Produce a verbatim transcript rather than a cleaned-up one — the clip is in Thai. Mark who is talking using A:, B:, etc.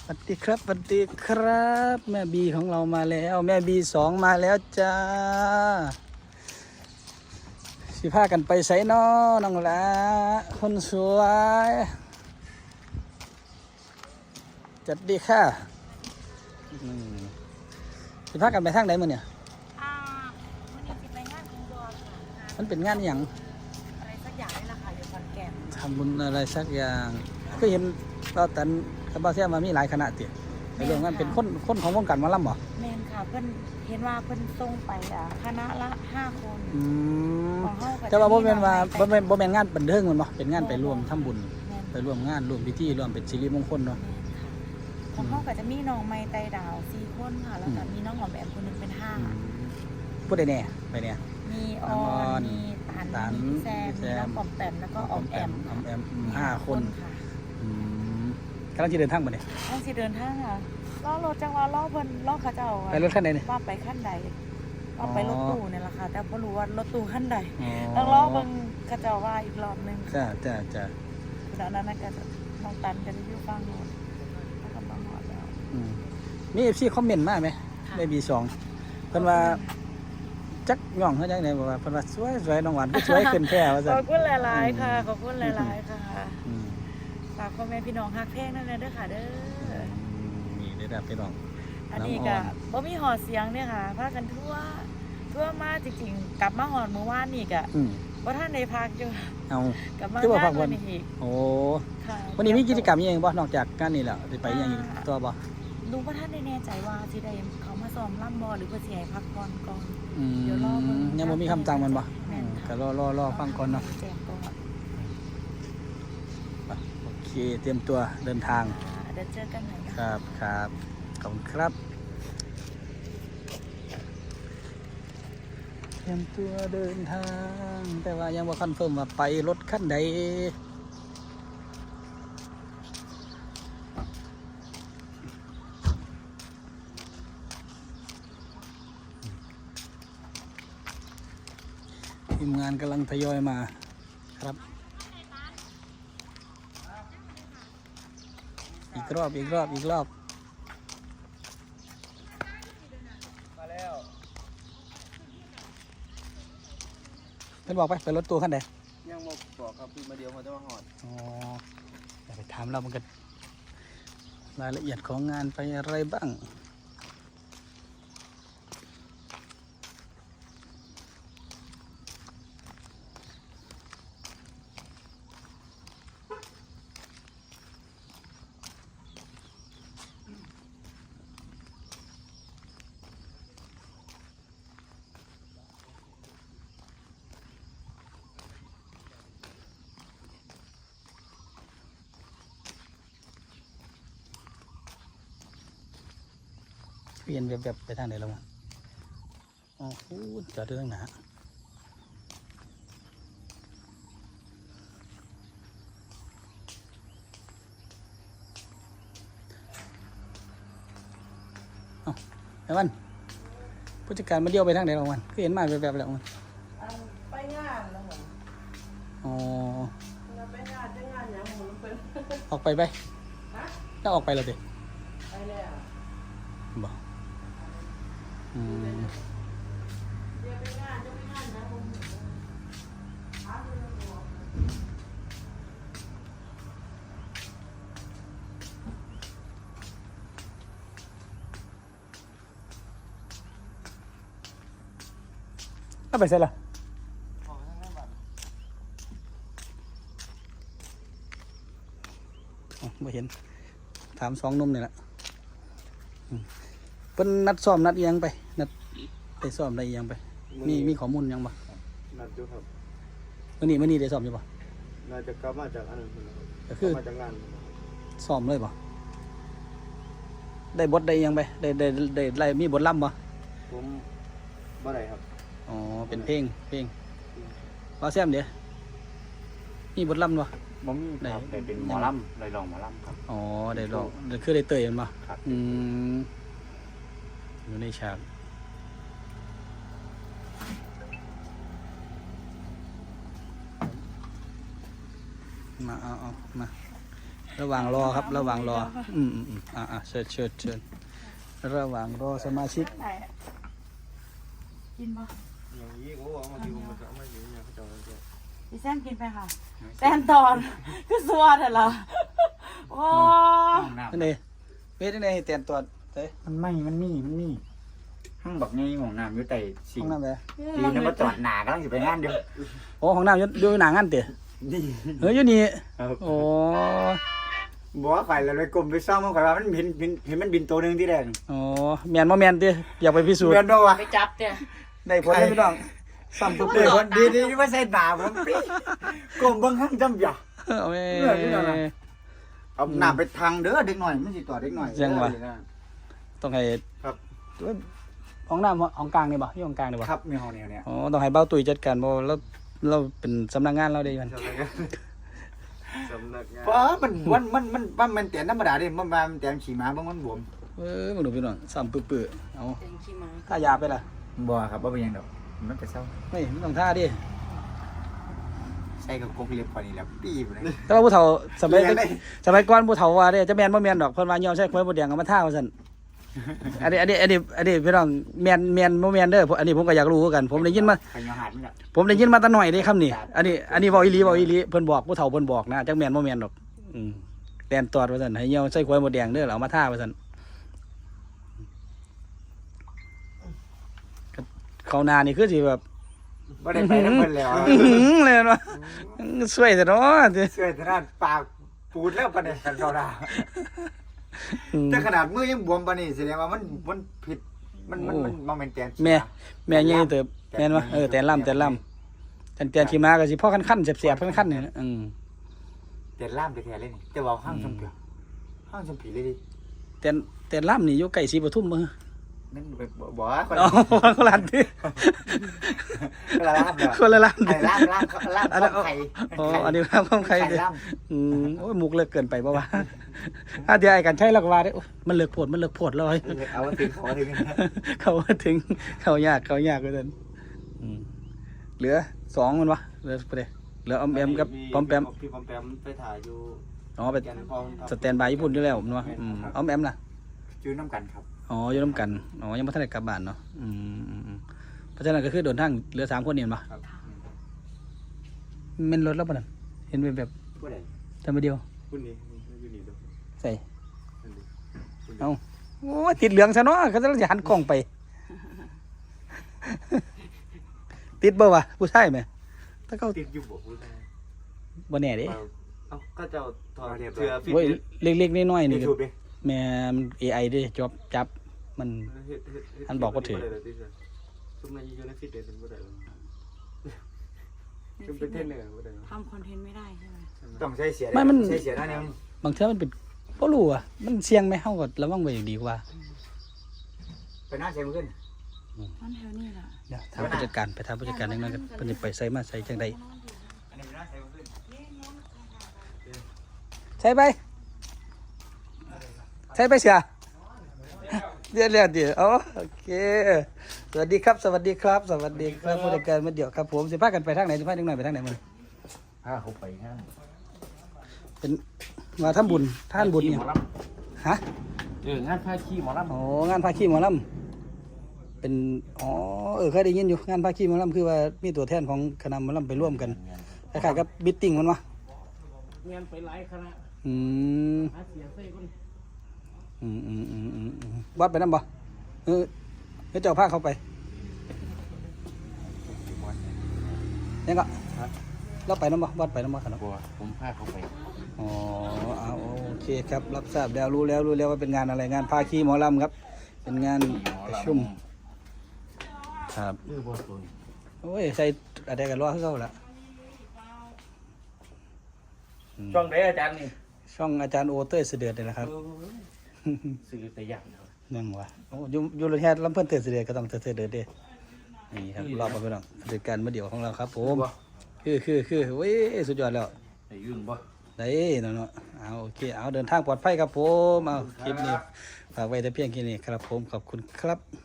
A: สวัสดีครับสวัสดีครับแม่บีของเรามาแล้วแม่บีสองมาแล้วจ้าสิพากันไปไสน้อน้องละคนสวยจัดดีค่ะอืมสิพากันไปทางไหนมื้อเนี่ย
B: อ่าวันนี้จะไปงานอินดอร์ค่ะ
A: มันเป็นงานอหย่าง
B: อะไรสักอย่างนี่แหละค่ะอยู่ขอนแก่น
A: ทำบุญอะไรสักอย่างก็เห็นก็ตันกับบ้าเสียมามีหลายคณะเตี๋ยในเรื่องนั้นเป็นคนคนของวงการหมอลำบ่
B: แมนค่ะเพิ่นเห็นว่าเพิ่นส่งไปอ่ะคณะละห้าคน
A: อืม
B: ของเฮาก็
A: แต่ว่าบ่แม่นว่า
B: จะ
A: บ่แม่นบ่แม่นงานบันเทิงแมันบ่เป็นงานไปร่วมทำบุญ
B: แม่น
A: ไปร่วมงานร่วมพิธีร่วมเป็นสิริมงคลเนาะ
B: แม่นค่ะของเฮาก็จะมีน้องไม้ไตดาวสี่คนค่ะแล้วก็มีน้องหอมแอมคนหนึงเป็นห้า
A: อืมพูดได้แน่ไปเนี่ย
B: มีอ
A: น้องอ
B: อ
A: อน น
B: มีตัน
A: ตัน
B: มีแซม
A: แซ
B: มี
A: ม
B: น้องปอมแปมแล้วก็ออมแอม
A: ออมแอมอืมห้าคน
B: ค่ะ
A: อืมกำลังจะเดินทางบ่เนี่ย
B: ต้องสิเดินทางค่ะล้อรถจังหวะล้อเพิ่นล้อเขาเจ้าอะ
A: ไปรถคันไหนเนี่ย
B: ว่าไปขั้นใดว่าไปรถตู้เนี่ยแหละค่ะแต่ไม่รู้ว่ารถตู้ขั้นใด
A: อ๋อ
B: ต้องรอเบิ่งกระเจ้าว่าอีกรอบหนึง
A: จ้าจ้าจ้า
B: แล้วนั้นก็จะน้องตันก็จะอยู่ฟังโน้นแล้วก็มาหอดแล้ว
A: อืมมี เอฟ ซี คอมเมนต์มาไหม
B: ค่ะ
A: ได้บีสองเพิ่นว่าจักย่องเขาจังได๋บอกว่าเพิ่นว่าสวยสวยน้องหวานก็สวยขึ้นแท้ว่า
B: ข
A: ซั่
B: อบ
A: น
B: คุณหลายๆค่ะขอบคุณหลายๆค่ะ
A: อืม
B: ฝากพ่อแม่พี่น้องฮักเพลงนั่นเลยเด้อค่ะเด้อ
A: นี่ได้รับพี่น้อง
B: อันนี้ก็บ่มีหอดเสียงเนี่ยค่ะพากันทั่วทั่วมาจริงๆ กลับมาหอดเมื่อวานนี่ก็
A: อืม
B: บ่ทันได้พักอยู่
A: เอา
B: กลับมา
A: คือบ่พั
B: งาก น
A: วั
B: วัน นนี้อีก
A: โอ้
B: ค่ะ
A: วันนี้มีกิจกรรมอีหยังบ่นอกจากงานนี้แล้วสิไปอีหยังอีกตัวบ่
B: ลุงพ่อท่านได้แน่ใจว่าสิได้เขามาซ้อมล่ำบอหรือเพื่อสิให้พักผ่อนก่อน
A: อืม
B: เดี๋ยวรอเบิ่ง
A: ยังบ่มีคำสั่งมันบ่
B: แม่
A: อื
B: น
A: ม
B: ค่ะ
A: ก็รอรอรอฟังก่อนเนาะ
B: แจ้งก่อน
A: ไปโอเคเตรียมตัวเดินทาง
B: อ่าเดี๋ยวเจอกันใหม่นะ
A: ค
B: คะ
A: รับครับขอบคุณครับเตรียมตัวเดินทาง แต่ว่ายังบ่คอนเฟิร์มว่าไปรถคันใดทีมงานกำลังทยอยมาครับ อีกรอบอีกรอบอีกรอบมาแล้วเพิ่นบอกไปไปรถตู้ขั้นใด
C: ยังมาบอกครับพี่มาเดียวมาจะมาหอด
A: อ๋อเดี๋ยวไปถามเรามันกันรายละเอียดของงานไปอะไรบ้างเปลี่ยนแบบแบบไปทางไหนแล้วมั้งอ๋อพูดจอดเรื่องหนาเอ้าไอ้วันผู้จัดการมาเดียวไปทางไหนแล้ววันก็เห็นมาแบบแบบแล้วมัน
D: ไปงานแล้วเหรอ
A: อ๋อ
D: เราไปงานไปงานอย่างหมูเป็น
A: ออกไปไป
D: ฮะ
A: ถ้าออกไปแล้วดิ
D: ไปแล้ว
A: บอกอืม
D: เดี๋ยวไปงานจะไปงานอย่างหมูถามดูแล้วบอก
A: ก็ไปเสร็จแล้ว
C: ออกทางหน้าบัตร
A: อ๋อไม่เห็น ถามสองหนุ่มนี่แหละอืมเป็นนัดซ้อมนัดอิหยังไป นัดไปซ้อมอะไรอิหยังไป มีมีข้อมูลอิหยังบ่
C: นัดอยู่ครับ
A: มื่อนี้มื่อนี้ได้ซ้อมอยู่บ่
C: น่าจะกลับมาจากอันนั้นพุ่นครับ
A: ก็
C: ก
A: คื
C: ลั
A: อ
C: บมาจากงานพุ่นครับ
A: ซ้อมเลยบ่ได้บทได้อิหยังไป ได้ได้ได้ไล่มีบทล่ำบ่
C: ผมบ่ได้ครับ
A: อ๋อ เป็นเพลง เพลงว่าแซมเดี๋ยวมีบทล่ำบ่
E: บ่มี
A: ได้
E: ครับแต่เป็นหมอลำเลยลองหมอลำครับ
A: อ๋อ ได้ลองได้คือได้เตยมันบ่
E: ครับ
A: อืมอยู่ในฉากมาเอาเอามาระหว่างรอครับ ระหว่างรอ อืมอืมอืมอ่าอ่าเชิญเชิญเชิญระหว่างรอสมาชิก
B: ไหนกินปะ
C: อย่างนี้เขาบอกมาที่ผมมาจะไม่อยู่เนี่ยเขาจะเอาเจ้า
B: พี่แซมกินไปค่ะแซมตอนคือสวัสดิ์เหรอโอ้
E: ห้องน้
A: นั่นเองเว้ยนั่นเองเตียนตัวเฮ้ย
E: ำมันไม่มันมีมันมีห้องบักไงห้องน้ำอยู่ใต้สิ่
A: ห้
E: ง
A: องน้ำไป
E: ดีนะมาจอดหนากำลังจะไปงานเดียว
A: โอ้ห้องน้ำอยู่อยู่หนังอันเต๋อ
E: นี่
A: เฮ้ยอยู่นี่
E: ครับ
A: โอ้
E: บอกว่าข่อยแล้วไปกลมไปซ่อมมันข่อยว่ามันบินบินเห็นมันบินตัวหนึงที่แดง
A: โอ้แมนบ่แมนเต๋ออยากไปพิสูจน์
E: เรียนด้วยวะ
B: ไปจับเนี่ย
A: ได้ผลเลยพี่น้องซ้ำปุ๊บ
E: เดี๋ยวคนดีดีที่ว่าใส่หนาผมปีกลมเบิ่งห้างจำอย่า
A: เอาแม่
E: เอาหน้าไปทางเด้อเด็กหน่อยมันสิต่อเด็กหน่อย
A: จังหวะ
E: เด้อ
A: ต้องให้
C: ครับ
A: ห้องน้ำห้องกลางนี่บ่อยู่ห้องกลางนี่บ่
E: ครับมีห้องแนวเนี้ย
A: อ๋อต้องให้เบ้าตุ้ยจัดการบ่เราเราเป็นสำนักงานเราได้มัน
C: สำนักงานสำนักงาน
E: เพราะมันมันมันมันมันมันแต่ธรรมดาดิมันมันแต่ขี่ม้าบางมันบวม
A: เออมึงดูพี่น้องซ้ำปื้อๆเอา
B: เป็นขี้ม้า
A: ท่ายาไปล่ะ
E: บ่ครับบ่เป็นหยังดอกมันจะเศร้า
A: เฮ้ยมันต้องท่าดิ
E: ใส่กับกกเล็บพอนี่แหล้วปีบเลย
A: แต่ว่าผู้เฒ่าสมัย
E: เรียนได้
A: สมัยก่อนผู้เฒ่าว่าเด้จะแม่นบ่แม่นดอกเพิ่นว่ายอมใช้ควายบ่แดงเอามาท่าว่าซั่นอันนี้อันนี้อันนี้อันนี้พี่น้องแม่นแม่นบ่แม่นเด้ออันนี้ผมก็อยากรู้คือกัน ผมได้ยินมา
E: ไปยอหาดมันละ
A: ผมได้ยินมาแต่น้อยเด้คำนี้อันนี้อันนี้เว้าอีหลีเว้าอีหลีเพิ่นบอกผู้เฒ่าเพิ่นบอกนะจักแม่นบ่แม่นดอกอืมแตนตอดว่าซั่นให้ยอมใช้ควายบ่แดงเด้อแล้วเอามาท่าว่าซั่นเขาหน้านี่คือสิแบบ
E: บ่ได้ไปน้ำเพิ่นแล้ว
A: อื้อหือเลยเนาะสวยแต่เนาะ
E: เสื้อทางด้านปากปูดแล้วปานนี้กันเขาดา
A: อืม
E: แต่ขนาดมือยังบวมปานนี้แสดงว่ามันมันผิดมันมันมันมันเป็นแตน
A: แม่แม่ใหญ่เติบแม่นบ่เออแตนล่ำแตนล่ำแตนแตนขี้ม้าก็สิพ่อคันๆแสบๆคันๆนี่นะอืม
E: แตนล่ามไปแท้เลยนี่แต่ว่าห้างชมเปียห้างชมผีเลยดิ
A: แตนแตนล่ำนี่อยู่ใกล้ศรีปทุมมื้อ
E: นั่นไปบอกว่าคน
A: อ๋อคนละอันติ
E: ละล่ามเด้อ
A: คนละล่ำ
E: ไอ้
A: ติ
E: ล่ามล่ามล่าม
A: อันนั้น
E: ไข่
A: อ๋ออันนี้ล่ำของใคร
E: ไข่
A: ติ
E: ล่าม
A: อืมโอ้ยมุกเลิกเกินไปบ่วะอ่ะเดี๋ยวไอ้กันใช้แล้วก็ว่าได้โอ้ยมันเลิกโพดมันเลิกโพดแล้วเฮ้ย
E: เอาถึงขอถึง
A: เขาว่าถึงเขายากเขายากกว่านั้นอืมเหลือสองมันวะเหลือไปเลยเหลือออมแอมกับปอมแปม
C: พี่ปอมแปมไปถ่ายอยู่
A: อ๋อไป
C: แกนพองครับ
A: สแตนบายญี่ปุ่นอยู่แล้วมันวะอืมออมแอมล่ะ
E: จื้อน้ำกันครับ
A: อ๋ออยู่น้ำกันอ๋อยังไม่ทันได้กลับบ้านเนาะอืมอืมอืมเพราะฉะนั้นก็คือเดินทางเหลือสามคนเนี่ยปะ
C: ครับ
A: เป็นรถแล้วปะนั่นเห็นเป็นแบบ
E: ผู้ใด
A: ทำไปเดียว
C: คุณนี่อยู่นี่เด้อ
A: ใส่
C: นั่นดิคุณ
A: เอาโอ้ยติดเหลืองซะเนาะเขาจะหันกล้องไป ติดเบอร์วะผู้ชายไหมถ้าเขา
C: ติดอยู่บ่คุณชาย
A: บ่แน่เด้
C: เอ้าก็เจ้าถอดเสื้อฟิต
A: โอ้ย
C: เนส
A: เล็กๆน้อยๆนี่
E: ยู
A: ก็
E: ทูบดิ
A: แม่มัน เอ ไอ เด้จอบจับมัน
C: เฮ็ดเฮ็ดเฮ็ด
A: อันบอกว่าถือ
C: ซุมนั้นอยู่ในฟิตเนสเป็นบ่ได้หรอกซุมเป็นเทรนเนอร์บ่ได้หรอก
B: ทำคอนเทนต์ไม่ได้ใช่ไหม
E: ต้องใช้เสีย
A: ไม่มัน
E: ใช้เสียหน้าเนี่ย
A: บางเทื่อมันเป็นบ่รู้อ่ะมันเสี่ยงไหมเฮาก็ระวังไว้อย่างดีกว่า
E: ไปหน้าเสียมันขึ้น
B: นั่นแถวนี้แหละ
A: เดี๋ยวถามผู้จัดการไปถามผู้จัดการจังนั้นกันเพิ่นสิไปใส่มาใส่จังได
E: อันนี้ไปหน้าเสียมันขึ้น
A: ใช่ไปใช่ไปเสียเดี๋ยวเดี๋ยวเดี๋ยวอ๋อโอเคสวัสดีครับสวัสดีครับ สวัสดีครับผู้จัดการมาเดี๋ยวครับผมสิพากันไปทางไหนสิพาเด็กน้อยไปทางไหนมื้อ
E: พาเขาไปห้าง
A: เป็นมาทำบุญท่านบุญเนี่ยฮะ
E: เอองานพาขี้หมอลำ
A: อ๋องานพาขี้หมอลำเป็นอ๋อเออเคยได้ยินอยู่งานพาขี้หมอลำคือว่ามีตัวแทนของคณะหมอลำไปร่วมกันคล้ายๆกับบิทติ้งมันวะ
D: เงินไปหลายคณะ
A: อืม
D: หาเสียงใส่คน
A: อืมอืมอืมอืมอืมวัดไปนั่นบ่เออเดี๋ยวเจ้าพาเขาไปยังก็เราไปนั่นบ่วัดไปนั่นบ่ขนาด
E: บัวผมพาเขาไป
A: อ๋อเอาโอเคครับรับทราบแล้วรู้แล้วรู้แล้วว่าเป็นงานอะไรงานพาขี้หมอลำครับ เป็นงานประชุมครับ
E: เออบัวตัว
A: โอ้ยใส่อะไรกันรอให้เขาละ
E: ช่องไหนอาจารย์นี่
A: ช่องอาจารย์โอเต้ยเสด็จนี่แหละครับ
E: สื่อแต่อย่างเดียว
A: นั่งวะโอ้อยูอยูโรแค่ลำเพิ่นเต้ยเสด็จก็ต้องเต้ยเสด็จเด้นี่ครับรอบมาไปน้องเด็กการมาเดี่ยวของเราครับผมคือคือคือเว้ยสุดยอดแล้ว
E: ไอ้ยุ่งบ่
A: ได้เนาะเนาะเอาโอเคเอาเดินทางปลอดภัยครับผมเอาคลิปนี้ฝากไว้แต่เพียงแค่นี้ครับผมขอบคุณครับ